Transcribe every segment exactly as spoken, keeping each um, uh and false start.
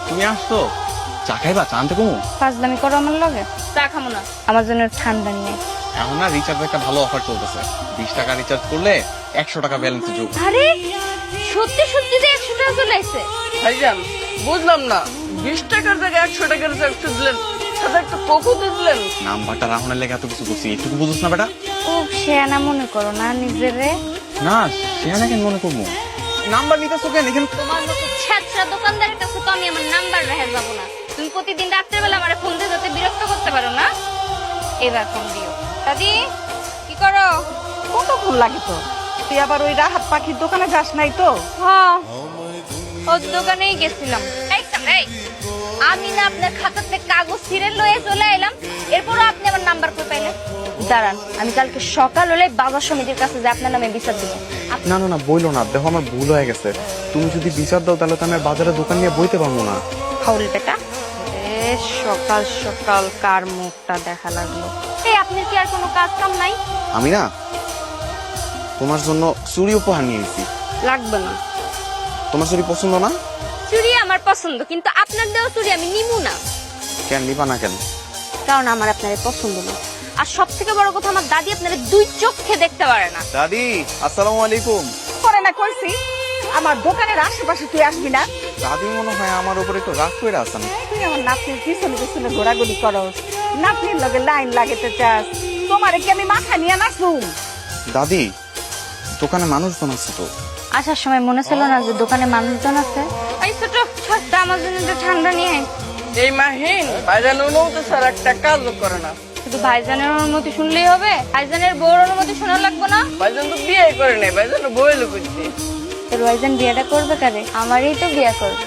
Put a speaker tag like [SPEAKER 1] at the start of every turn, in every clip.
[SPEAKER 1] তুমি আসছো চা খাইবা? চা আনতে কমু?
[SPEAKER 2] ফাজলামি করো আমার লগে? চা খামো না, আমার জন্য ঠান্ডা নিয়ে।
[SPEAKER 1] এখন না রিচার্জ একটা ভালো অফার চলতেছে। বিশ টাকা রিচার্জ করলে একশো টাকা ব্যালেন্স যোগ।
[SPEAKER 2] আরে সত্যি সত্যি যে একশো টাকা চলে আসছে।
[SPEAKER 3] ভাইজান বুঝলাম না, বিশ টাকার জায়গায় একশো টাকার রিচার্জ দিলেন, সাথে একটা কোকো দিলেন।
[SPEAKER 1] নাম্বারটা রাহুনের লেগে এত কিছু করছি, এটুকু বুঝছ না বেটা?
[SPEAKER 2] খুব শেয়ানা মনে করো না নিজেরে?
[SPEAKER 1] না সেখানে কেন মনে করবো? নাম্বার নিতেছো কেন এখানে?
[SPEAKER 2] তোমার মতো ছ্যাঁচড়া দোকানদারের কাছে তো আমি আমার নাম্বার রেখে যাবো না। তুমি প্রতিদিন রাত্রেবেলা আমার ফোন দিয়ে যাতে বিরক্ত করতে পারো না, এবার ফোন দিও। দাদি কি করো?
[SPEAKER 3] কতক্ষণ লাগে তো? তুই আবার ওই রাহাত পাখির দোকানে যাস নাই তো?
[SPEAKER 2] হ্যাঁ ওর দোকানেই গেছিলাম। এই তো, এই, আমি না আপনার খাতাতে কাগজ ছিঁড়ে লয়ে চলে এলাম, এরপরও আপনি আমার নাম্বার কই পাইলেন? দাঁড়ান, আমি কালকে সকাল হলে বাজার সমিতির কাছে যে আপনার নামে বিচার দিব।
[SPEAKER 1] না না না বইলো না, দেখো আমার ভুল হয়ে গেছে। তুমি যদি বিচার দাও তাহলে তো আমি আর বাজারে দোকান নিয়ে বইতে পারবো না।
[SPEAKER 2] ফাউল বেটা। এ সকাল সকাল কার মুখটা দেখা লাগলো? এই আপনার কি আর কোনো কাজ কাম নাই?
[SPEAKER 1] আমি না তোমার জন্য চুড়ি উপহার নিয়ে এসেছি।
[SPEAKER 2] লাগবে না।
[SPEAKER 1] তোমার চুড়ি পছন্দ না?
[SPEAKER 2] চুড়ি আমার পছন্দ, কিন্তু আপনার দেওয়া চুড়ি আমি নিমু না।
[SPEAKER 1] কেন নিবা না কেন?
[SPEAKER 2] কারণ আমার আপনারে পছন্দ না। আর সব থেকে বড় কথা, আমার দাদি আপনারে দুই চোখে দেখতে পারে না।
[SPEAKER 1] দাদি আসসালামু আলাইকুম।
[SPEAKER 3] করে না কইছি আমার দোকানের আশেপাশে তুই আসবি না।
[SPEAKER 1] দাদি মনে হয় আমার উপরে একটু রাগ করে আছেন।
[SPEAKER 3] তুই আমার নাতনির পিছনে পিছনে ঘোরাঘুরি করস, নাতনির লগে লাইন লাগাতে চাস। তোমারে কি আমি মাথা নিয়ে নাচুম?
[SPEAKER 1] দাদি দোকানে মানুষজন আছে তো।
[SPEAKER 2] আসার সময় মনে ছিল না যে দোকানে মানুষজন আছে? এই ছোট ছোট্টা আমার জন্য একটু ঠান্ডা নিয়ে আয়।
[SPEAKER 3] এই মাহিন ভাইজান অনুমতি স্যার একটা কাজও করে না।
[SPEAKER 2] শুধু ভাইজানের অনুমতি শুনলেই হবে? ভাইজানের বউর অনুমতি শোনা লাগবে না?
[SPEAKER 3] ভাইজান তো বিয়ে করে নাই, ভাইজান বইল করছে।
[SPEAKER 2] তোর ভাইজান বিয়েটা করবে কারে? আমারই তো বিয়ে করবে।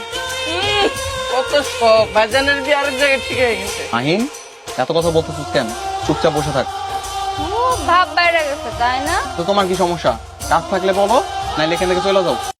[SPEAKER 3] কত সব, ভাইজানের বিয়ে আরেক জায়গায় ঠিক হয়ে গেছে।
[SPEAKER 1] আহিন এত কথা বলতেছিস কেন? চুপচাপ বসে থাক।
[SPEAKER 2] ও ভাব বাইরে গেছে তাই না?
[SPEAKER 1] তো তোমার কি সমস্যা? কাজ থাকলে বলো, নাইলে এখান থেকে চলে যাও।